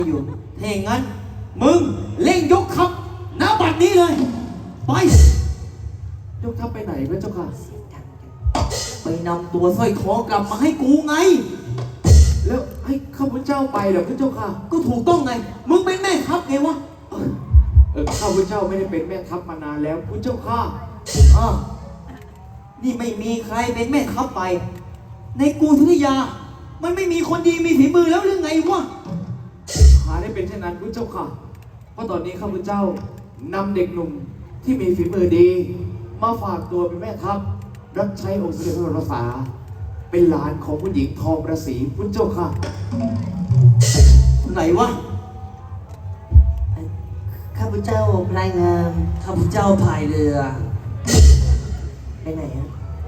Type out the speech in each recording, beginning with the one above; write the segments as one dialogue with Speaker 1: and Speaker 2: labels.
Speaker 1: อยู่ถ้าอย่างนั้นมึงเร่งยกทัพณบัดนี้เลยไปยกทัพไปไหนพระเจ้าค่ะไปนำตัวสร้อยทองกลับมาให้กูไงแล้วให้ข้าพเจ้าไปเหรอพระเจ้าค่ะก็ถูกต้องไงมึงเป็นแม่ทัพไงวะข้าพเจ้าไม่ได้เป็นแม่ทัพมานานแล้วพระเจ้าค่ะนี่ไม่มีใครเป็นแม่ทัพไปในกรุงธนยามันไม่มีคนดีมีฝีมือแล้วหรือไงวะหาได้เป็นเช่นนั้นพระเจ้าค่ะเพราะตอนนี้ข้าพเจ้านำเด็กหนุ่มที่มีฝีมือดีมาฝากตัวเป็นแม่ทัพรับใช้องค์สมเด็จพระบรมศาเป็นหลานของผู้หญิงทองประสีพระเจ้าค่ะไหนวะ
Speaker 2: ข้าพเจ้าพลายงาม
Speaker 1: ข้าพเจ้าพายเรือ
Speaker 2: ไปไหนอะ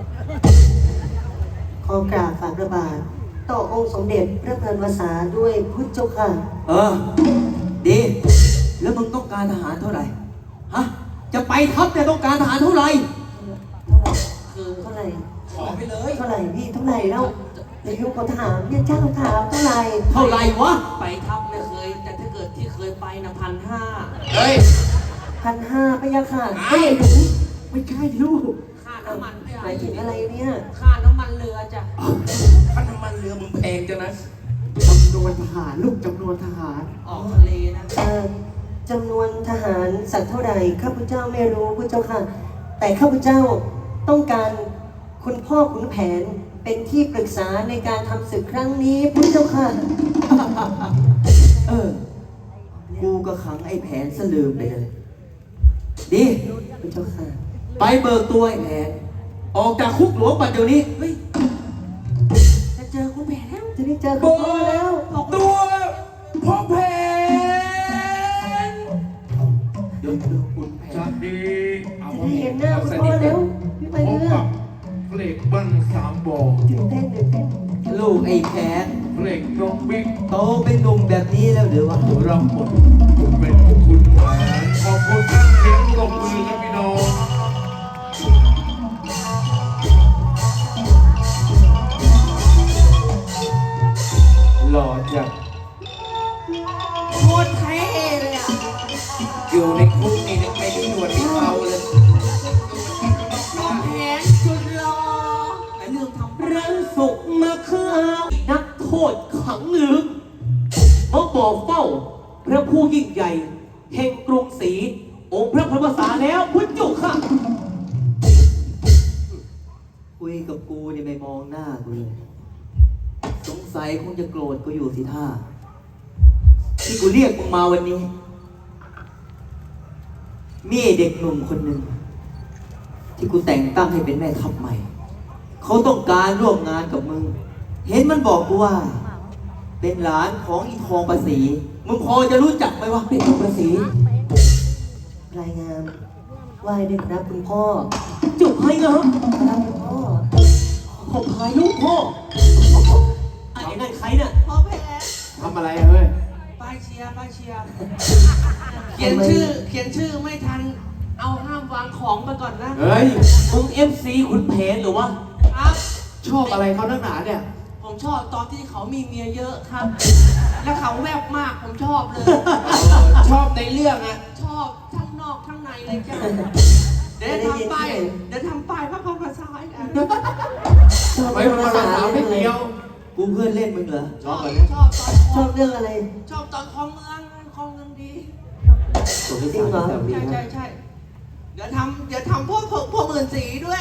Speaker 2: ขอกราบฝ่าพระบาทต่อองค์สมเด็จพระเพลินวสาด้วยพุทธเจ้าค่ะ
Speaker 1: ดีแล้วมึงต้องการทหารเท่าไหร่ฮะจะไปทัพเนี่ยต้องการทหารเท่าไหร่
Speaker 2: คือเท่าไหร่
Speaker 1: ขอไปเลย
Speaker 2: เท่าไหร่พี่เท่าไหร่แล้วในยุคของทหารเนี่ยเจ้าถามเท่าไหร่
Speaker 1: วะ
Speaker 3: ไปทัพไม่เคยแต่ถ้าเกิดที่เคยไปนะ1,500
Speaker 1: เฮ้ย
Speaker 2: 1,500พะยะค่ะ
Speaker 1: ไม่ใช่ลูก
Speaker 3: ค่าน้ำมัน
Speaker 2: หมายถึงอะไรเนี่ย
Speaker 3: ค่าน้ำมันเรือจ้ะ
Speaker 1: ค่าน้ำมันเรือมึงแพงจังนะจำนวนทหารลูกจำนวนทหาร
Speaker 3: ออกทะเลนะ
Speaker 2: จำนวนทหารสักเท่าไหร่ข้าพเจ้าไม่รู้พระเจ้าค่ะแต่ข้าพเจ้าต้องการคุณพ่อขุนแผนเป็นที่ปรึกษาในการทำศึกครั้งนี้พระเจ้าค่ะ
Speaker 1: กูก็ขังไอ้แผนซะลืมไปเลยดี
Speaker 2: พระเจ้าค่ะ
Speaker 1: ไปเบิกตัวไอ้แผนออกจากคุกหลวงปัจจุบันนี้
Speaker 3: เฮ้ยจะเจอคุณแผนแล้ว
Speaker 2: จะได้เจอคุณพ่อแล้ว
Speaker 1: ตัวพ่อแผนเดี๋ยวคุณแผน
Speaker 4: ดี
Speaker 2: เอาเห็นหน้าคุณพ่อแล้วไปเรื่อง
Speaker 4: เพลงบ้านสามบ่อ
Speaker 2: ตื่นเต้น
Speaker 1: ลูกไอ้แผน
Speaker 4: เพลงน้องบิ๊ก
Speaker 1: โตเป็นหนุ่มแบบนี้แล้วหรือวะ
Speaker 4: รับบทเป็นคุณแผนขอบคุณท่านเสียงปรบมือครับพี่น้องหล่อจัด
Speaker 3: โคตรเท่เลยอ่ะ
Speaker 1: อยู่ในคุกนี่ยังไม่ได้หนวดไม่เขาเลย
Speaker 3: น้องแผนสุดหล่อไอ้เรื่องทำ
Speaker 1: รังสุกมาข้าวนักโทษขังลึกมาบอกเฝ้าพระผู้ยิ่งใหญ่แห่งกรุงศรีองค์พระพรหมสาแล้วพุทธจุกค่ะคุยกับกูนี่ไม่มองหน้ากูเลยสงสัยคงจะโกรธกูอยู่สิท่าที่กูเรียกมึงมาวันนี้มีเด็กหนุ่มคนหนึ่งที่กูแต่งตั้งให้เป็นแม่ทัพใหม่เขาต้องการร่วมงานกับมึงเห็นมันบอกกูว่าเป็นหลานของอีทองประสีมึงพอจะรู้จักไหมว่าเป็นทองประสี
Speaker 2: รายงานไหว้ด้วยครับคุณพ่อ
Speaker 1: จุกให้นะครับ
Speaker 2: คุณพ่อ
Speaker 1: ผมพายลูกพ่อไอ้นั่นใครเนี่ย
Speaker 3: พ่อแผน
Speaker 1: ทำอะไรเฮ้ย
Speaker 3: ป้ายเชียร์เขียนชื่อไม่ทันเอาห้ามวางของมาก่อนนะ
Speaker 1: เฮ้ยมึง FC ขุนแผนหรือวะ
Speaker 3: ครับ
Speaker 1: ชอบอะไรเขานักหนาเนี่ย
Speaker 3: ผมชอบตอนที่เขามีเมียเยอะครับแล้วเขาแวบมากผมชอบเลย
Speaker 1: ชอบในเรื่องอะ
Speaker 3: ชอบทั้งนอกทั้งในเลยจ้ะเดี๋ยวทำป้ายพระพรภาษาอีกอัน
Speaker 1: ไม่ภาษาไม่เดียวกูเพื่อนเล่นมึงเหรอ
Speaker 3: ชอบ
Speaker 2: เรื่องอะไร
Speaker 3: ชอบตอนคลองเมืองดี
Speaker 2: จริงเหรอ
Speaker 3: ใช่เดี๋ยวทำพวกหมื่นสีด้วย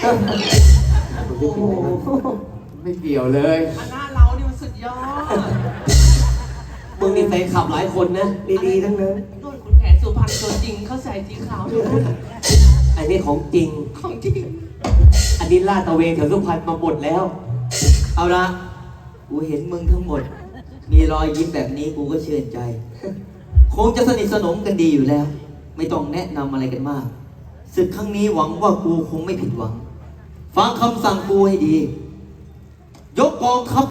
Speaker 1: ไม่เกี่ยวเลย
Speaker 3: อันหน้าเรานี่มันสุดยอด
Speaker 1: มึงนี่ใส่ขับหลายคนนะ
Speaker 2: ดีๆทั้งนั้น
Speaker 3: โดนคุณแผนสุพรรณตัวจริงเขาใส่สีขาวด้วย
Speaker 1: อันนี้ของจริงอันนี้ล่าตะเวนแถวสุพรรณมาหมดแล้วเอาละกูเห็นมึงทั้งหมดมีรอยยิ้มแบบนี้กูก็เชื่อใจคงจะสนิทสนมกันดีอยู่แล้วไม่ต้องแนะนำอะไรกันมากศึกครั้งนี้หวังว่ากูคงไม่ผิดหวังฟังคำสั่งกูให้ดียกกองทัพ